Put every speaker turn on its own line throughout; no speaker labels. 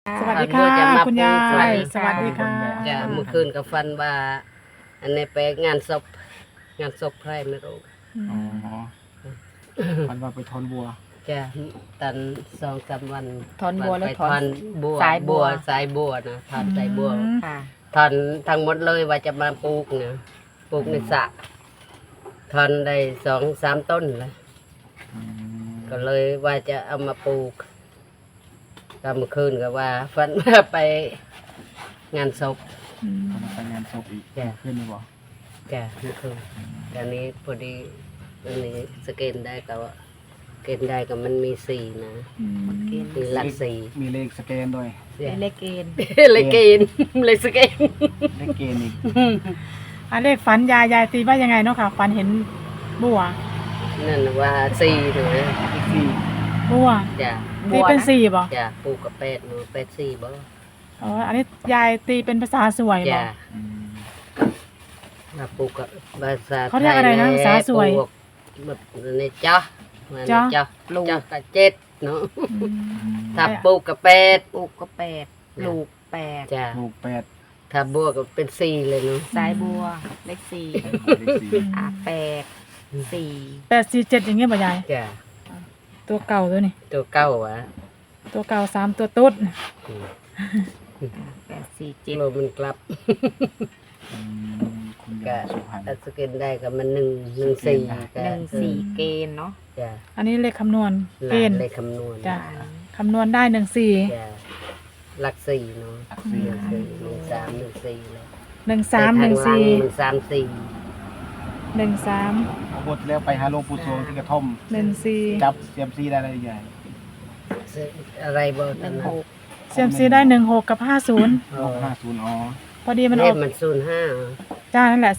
สวัสดีค่ะคุณยายสวัสดีค่ะ
จะเมื่อคืนกับฟันว่าอันนี้ไปงานศพใครไม่รู้
อ๋อมันว่าไปทอนบัว
จะตัน2-3 วัน
ถอนบัวแล้วถอน
บัว
สายบัว
สายบัวนะถอนสายบัว
ค่ะ
ถอนทั้งหมดเลยว่าจะมาปลูกนะปลูกในสระถอนได้2-3 ต้นเลยก็เลยว่าจะเอามาปลูกก็เมื่อคืนก็ว่าฟันว่าไปงานศพ
ไปงานศพอีกขึ้นไหมบอก
จ้ะเมื่อคืนตอนนี้พอดีอันนี้สเกนได้ก็ว่าเกณฑ์ได้ก็มันมี4นะมีหลัก4
มีเลขสแกนด้วย
เลขเกณฑ์
เลขเกณฑ์เลขสเกน
เลขเกณฑ์อีก
เลขฝันยายตีว่ายังไงเนาะค่ะฝันเห็นบัว
นั่นว่า4เลย
เลขสี่
บัว
จ้ะ
ตีเป็น4บ่
จ้ะปลูกกับ8หนู8 4บ่
อ๋ออันนี้ยายตีเป็นภาษาสวยบ่
จ้ะมาปลูกกับภาษา
เขาเรียกอะไรนะภาษาสวย
แบบในจ้ะมันจ้ะปลูกกับ7เนาะถ้าปลูกกับ8
ปลูกก็8ลูก8
จ้ะ
ลูก8
ถ้าบัวก็เป็น4เลยเนาะ
สายบัวเลข4
เลขสี่
8 4 8 4 7อย่างเงี้ยบ่ยาย
จ้ะ
ตัวเก่าตัวนี้
ตัวเก่าวะ
ตัวเก่า3ตัวตุ๊ด8 4 7
โลมันกลับ
คุณยายสุพรรณ
สกินได้กับมัน114
เกณฑ์เนาะ
จ้ะ
อันนี้เลขคำนวณเกณฑ์
เลขคำนวณ
จ้ะคำนวณได้14
จ้ะหลัก4เนาะ1314เลย
1314
เอาบทแล้วไปหาหลวงปู่สวงที่กระท่อม
14
จับเซียมซีได้อะไรใหญ่
อะไรบ่ตันนะ
เซียมซีได้16กับ50
50อ๋อ
พอดีมันออก
มัน05
จ้านั่นแหละ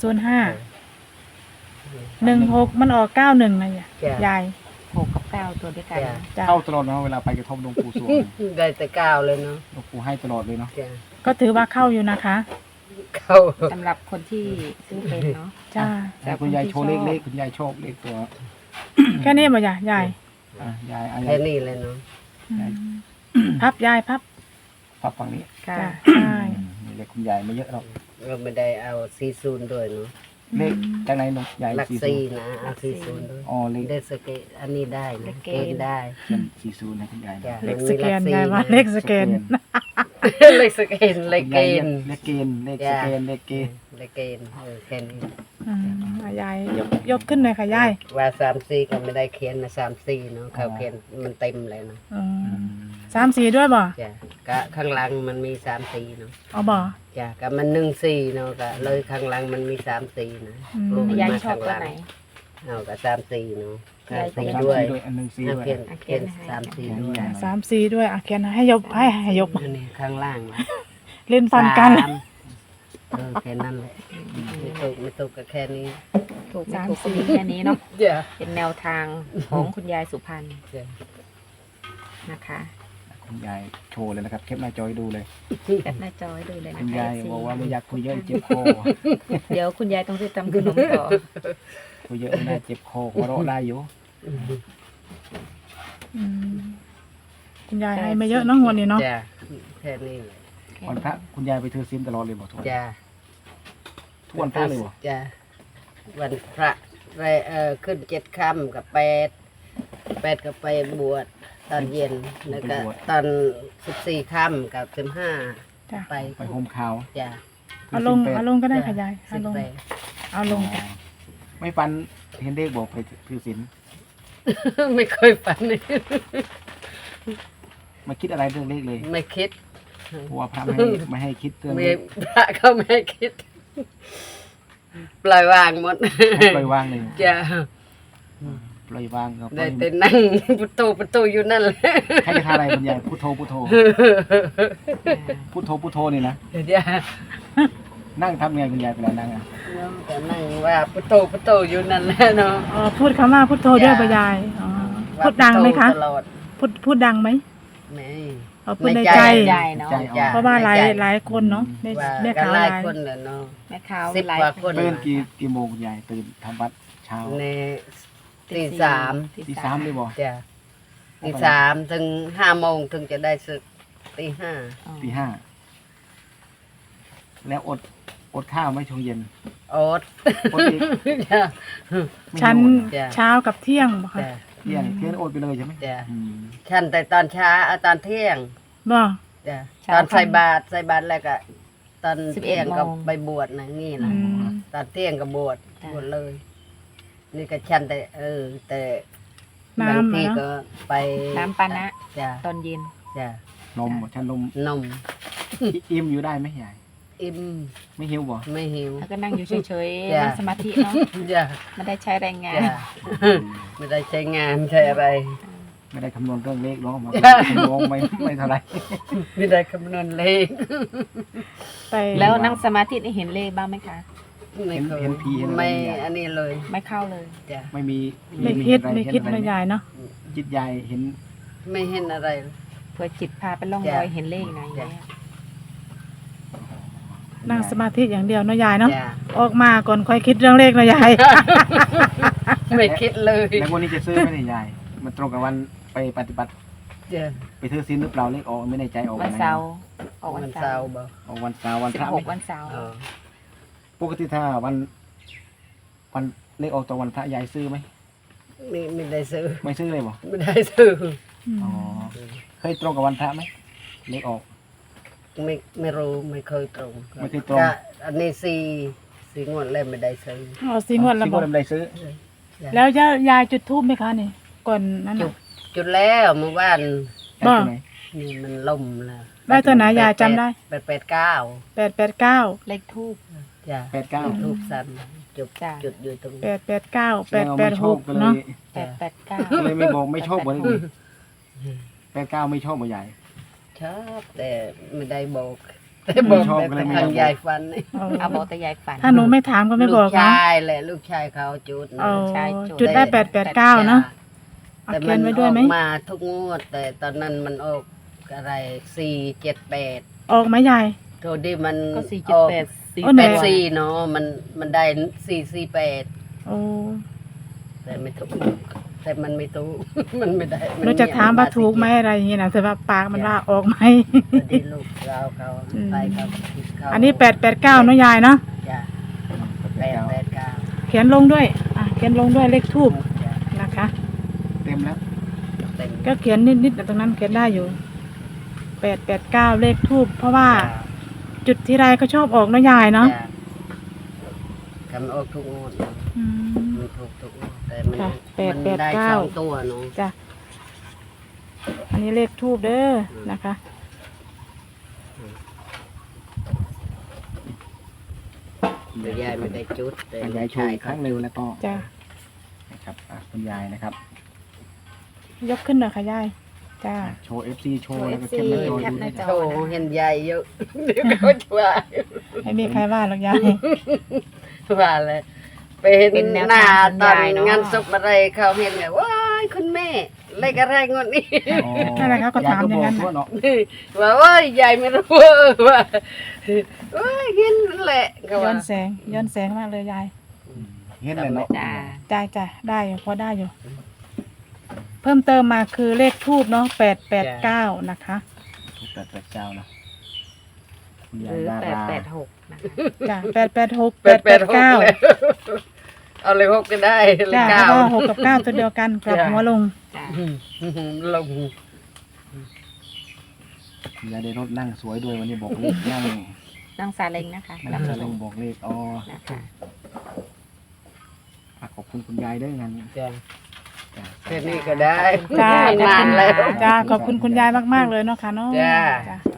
05 16มันออก91นะยาย6กับ9ตัวด้วยกัน
เข้าตลอดเนาะเวลาไปกระท่อมหลวงปู่สวง
ได้แต่9เลยเนาะ
หลวงปู่ให้ตลอดเลยเนาะ
ก็ถือว่าเข้าอยู่นะคะ
เข้า
สำหรับคนที่ซื้อเป็นเนาะจ้า
แต่คุณยายโชว์เลขคุณยายชอบเลขตัว
แค่นี้บ่ยาย
ยาย
แค่นี้เลยเนาะ
พับยายพับ
ฝั่งนี้
จ้าใช่
เลขคุณยายไม่เยอะหรอก
เราไม่ได้เอา40ด้วยเนาะ
เลขจากไหนน้องยาย
หลัก4นะเอา40ด้วย
อ๋อเลข
สเกนอันนี้ได้นะเกณฑ์ได้
40นะคุณยาย
เลขสแกนยายว่าเลขสแกน
เลขสเกนเลขเกณฑ์
เลขเกณฑ์เลขสแกนเลขเกณฑ์
แค่นี้
ยายยกขึ้นเลยค่ะยาย
ว่า34ก็ไม่ได้เขียนนะ34เนาะเขาเขียนมันเต็มเลยเนาะ
34ด้วยบ่
จ้ะก็ข้างหลังมันมี34เนาะ
เอาบ่
จ้ะก็มัน14เนาะก็เลยข้างหลังมันมี34นะ
ยายชอบตัวไหน
เอาก็34เนาะ34ด้วยเขียน34ด้วย
34ด้วยเขียนให้ยก
นี่ข้างล่าง
เล่นฟันกัน
แค่นั้นแหละไม่ตกก็แค่นี้
ถูกไม่ถูกก็มีแค่นี้เนาะเป็นแนวทางของคุณยายสุพรรณนะคะ
คุณยายโชว์เลยนะครับแคปหน้าจอให้ดูเลย
แคปหน้าจอให้ดูเลยนะ
คุณยายบอกว่าไม่อยากคุยเยอะเจ็บคอ
เดี๋ยวคุณยายต้องไปทำขนมต่อ
คุยเยอะไม่ได้เจ็บคอหัวเราะได้อยู่
คุณยายให้ไม่เยอะน้องวันนี้เนาะ
แค่นี้เลย
วันพระคุณยายไปถือศีลตลอดเลยบ่ทุกวันทุกวันพระเลยบ่
จ้ะวันพระไปขึ้น7 ค่ำกับ8ก็ไปบวชตอนเย็นแล้วก็ตอน14 ค่ำกับ15ไป
โฮมข่าว
จ้ะ
เอาลงก็ได้ค่ะยายเอาลงจ้ะ
ไม่ฟันเห็นเลขบอกไปถือศีล
ไม่เคยฝันเลย
มาคิดอะไรเรื่องเลขเลย
ไม่คิด
เพราะว่าพระไม่ให้คิดเรื่อง
พระเขาไม่ให้คิดปล่อยวางหมด
ปล่อยวางเลย
จ้ะ
ปล่อยวางก็
ได้แต่นั่งประตูอยู่นั่นแหละ
ใครจะทำอะไรคุณยายพุทโธพุทโธนี่นะนั่งทำไงคุณยายเวลานั่งอ่ะ
ก็นั่งว่าพุทโธอยู่นั่นแหละเนาะ
พูดคำว่าพุทโธด้วยป่ะยายพูดดังไหมคะพูดดังไหม
ไม่
พูดในใจเนาะเพราะว่าหลายคนเนาะ
แม่ค้าหลายคนเนาะ
แม่ค้า
10 กว่าคน
ตื่นกี่โมงคุณยายตื่นทำวัดเช้า
ในตี 3
เลยบ่
จ้ะตี 3ถึง5 โมงถึงจะได้ศึกตีห้า
อ๋อ
ตีห้าแล้วอดข้าวไหม่ช่วงเย็น
โอ๊ต
อดอีก
จ้ะ
ไม่
ชั้น
หิวเหรอ
จ้ะ
เช้ากับเที่ยงบ่คะ
จ้ะ
เที่ยงอดไปเลยใช่ไหม
จ้ะ
อืม
ฉันแต่ตอนเช้าตอนเที่ยง
บ่
จ้ะตอนใส่บาตรแล้วก็ตอน
11
เที่ยงก็
โมง
ไปบวชนะนี่
อื
นะ
ม
ตอนเที่ยงก็บวช
จ้ะ
บวชเลย นี่ก็ฉันแต่แต่
น้ำ
บางที
อะเนาะ
ก็ไป
น้ำปานะ
จ้ะ
ตอนเย็น
จ้ะ
นมฉันนม
นม
อิ่มอยู่ได้ไหมยาย
อิ่ม
ไม่หิวบ่
ไม่หิว
แล้วก็นั่งอยู่เฉย
จ้ะ
ๆนั่งสมาธิเนาะ
จ้ะ
ไม่ได้ใช้แรงงาน
จ้ะไม่ได้ใช้งานใช้อะไร
ไม่ได้คำนวณเรื่องเลขเนาะมา
จ้ะ
คำนวณไม่เท่าไหร
ไม่ได้คำนวณเลข
ไป
แล้วนั่งสมาธินี่เห็นเลขบ้างไหมคะ
ไม่เคย
เห็นผีเห็นอะไร
ไม่
ยาย
อันนี้เลย
ไม่เข้าเลย
จ้ะ
ไม่มี
ไม่คิด
อะร
ไม่คิด
เห็นอะไร
นะยายเนาะ
จิตยายเห็น
ไม่เห็นอะไร
เพื่อจิตพาไปล่อง
จ้ะ
รอยเห็นเลขนะอย่างเงี้ย
นั่งสมาธิอย่างเดียวเนาะยายเนาะ
จ้ะ
ออกมาก่อนค่อยคิดเรื่องเลขเนาะยาย
ไม่คิดเลย
แล้ววันนี้จะซื้อไหมเนี่ยยายมันตรงกับวันไปปฏิบัติ
จ้ะ
ไปถือศีลหรือเปล่าเลขออกไม่ในใจออก
วัน
ไห
เสาร์ออก
วั
วัน น
เสา
เสา
ร์
ร์
บ่
ออกวันเสาร์วันพระ
16
ไหม
วันเสาร์
เออ
ปกติถ้าวันเลขออกตรงวันพระยายซื้อไหม
ไม่ได้ซื้อ
ไม่ซื้อเลยบ่
ไม่ได้ซื้อ
อ๋อเคยตรงกับวันพระไหมเลขออก
ไม่รู้ไม่เคยตรง
ไม่เคยตรง
ก็อันนี้สี่งวดแล้วไม่ได้ซื้อ
เอาสิงวดละ
ที่
บอ
คนไม่ได้ซื้อ
จ้ะ
แล้วยายจุดธูปไหมคะนี่ ก่อนนั้น
จุ
น่ะ
ดจุดแล้วเมื่อวาน
ได้ตัวไหน
นี่มันล่มแล้ว
ได้ตัวไหนยายจำได้
889
889
เลขทูบ
จ้ะ
89
ทูบสั้นจุด
จ้ะ
จุดอยู่ตรง
889
แสดงว่าไม่ชอบก็
886
เล
เนาะ
ย
889
ก็เลยไม่บอกไม่ชอบบ่ได้89ไม่ชอบบ่ใหญ่
ชอบแต่ไม่ได้บอกแต่บอก
ชอบ
แต่
ก็เลยไม่
ทาง
บอก
ยายฟันนี่
เอาบอกแต่ยายฝัน
ถ้าหนูไม่ถามก็ไม่บอก
ลูก
นะ
ชายแหละลูกชายเขาจุดนะ
เอา
ใช่จุด
จุดได้889เนาะเอา
แต่
เขี
มั
ยน
น
ไว้
อ
ด้วย
อก
ไหม
มาทุกงวด แต่ตอนนั้นมันออกอะไร478
ออกไหมยาย
โทษดิมัน
ก็
ออก
478
โอ้ไหน
84เนาะมันได้448
โอ้
แต่ไม่ถูกแต่มันไม่ถูก มันไม่ได้
หนูจะถามว่าถูกไหมอะไรอย่างเงี้ยนะแต่ว่าปากมันว่าออกไหม
พอดีลูกเราเขา
อืม
ไปเขาเขา
อันนี้889เนาะยายเนาะ
จ้ะ 889
เขียนลงด้วยเขียนลงด้วยเลขทูบ
จ้ะ
นะคะ
เต็มแล้ว
เต็ม
ก็เขียนนิดๆตรงนั้นเขียนได้อยู่889เลขทูบเพราะว่า จุดที่ไรก็ชอบออกเนาะยายเนาะ
จ้ะคำออกทุกงวดเนอะ
อืม
มันถูกทุกงวดแต่มัน
ค่ะ
มันได้
889
2ตัวเนาะ
จ้ะอันนี้เลขทูบเด้อนะคะ
แต่ยายไม่ได้จุดแต่
ยายโชว์อีกครั้งเร็วแล้วก็
จ้ะ
นะครับคุณยายนะครับ
ยกขึ้นหน่อยค่ะยายจ้า
โชว์ FC โชว์แล้วก็
โชว์
แคปหน้าจอ
FC
ดูนะ
แคปหน้าจอ
โชว์เห็นยายเยอะ เดี๋ยวเขาจะว่า
ไม่มีใครว่าหรอกยาย
ว่าเลยไปเห็น
เป็นแนว
หน้า
ทาง
ตอน
ยายเนอะ
งานศพอะไรเขาเห็นเนี่ยว้ายคุณแม่เลขอะไรงวดนี้
อ๋อ
นั่นแหละเขาก็ถามอย่างนั้น
ยก็บอกทั่วเนาะ
ว่าว้ายยายไม่รู้ว่าว้ายเห็นนั่นแหละเขา
ย้อ
ว่า
นแสงย้อนแสงมากเลยยาย
เห็นเลยเนาะ
จ้า
จ้าได้อยู่พอได้อยู่ เพิ่มเติมมาคือเลขทูบเนาะ889นะคะ
ทุก889นะคุณ
ห
ยาย
รือ
ดารา
886นะคะ
จ้า886
886
889
เอาเลยหกก็ได้เล
จ้า
ข
เพ
เก้า
ราะว่า6กับ9ตัวเดียวกันกลับ
จ้ะ
หัวลง
จ้า
ลง
คุณยายได้รถนั่งสวยด้วยวันนี้บอกเลขนั่ง
นั่งซาเล้งนะคะ
นั่งสลงบอกเลขอ๋อ
นะคะ
ขอบคุณคุณยายด้วยงั้น
จ้ะ
จ้ะ
แค่นี้ก็ได้
จ้า
นานแล้ว
จ้าขอบคุณคุณยายมากๆเลยเนาะค่ะเนาะ
จ้า
จ้า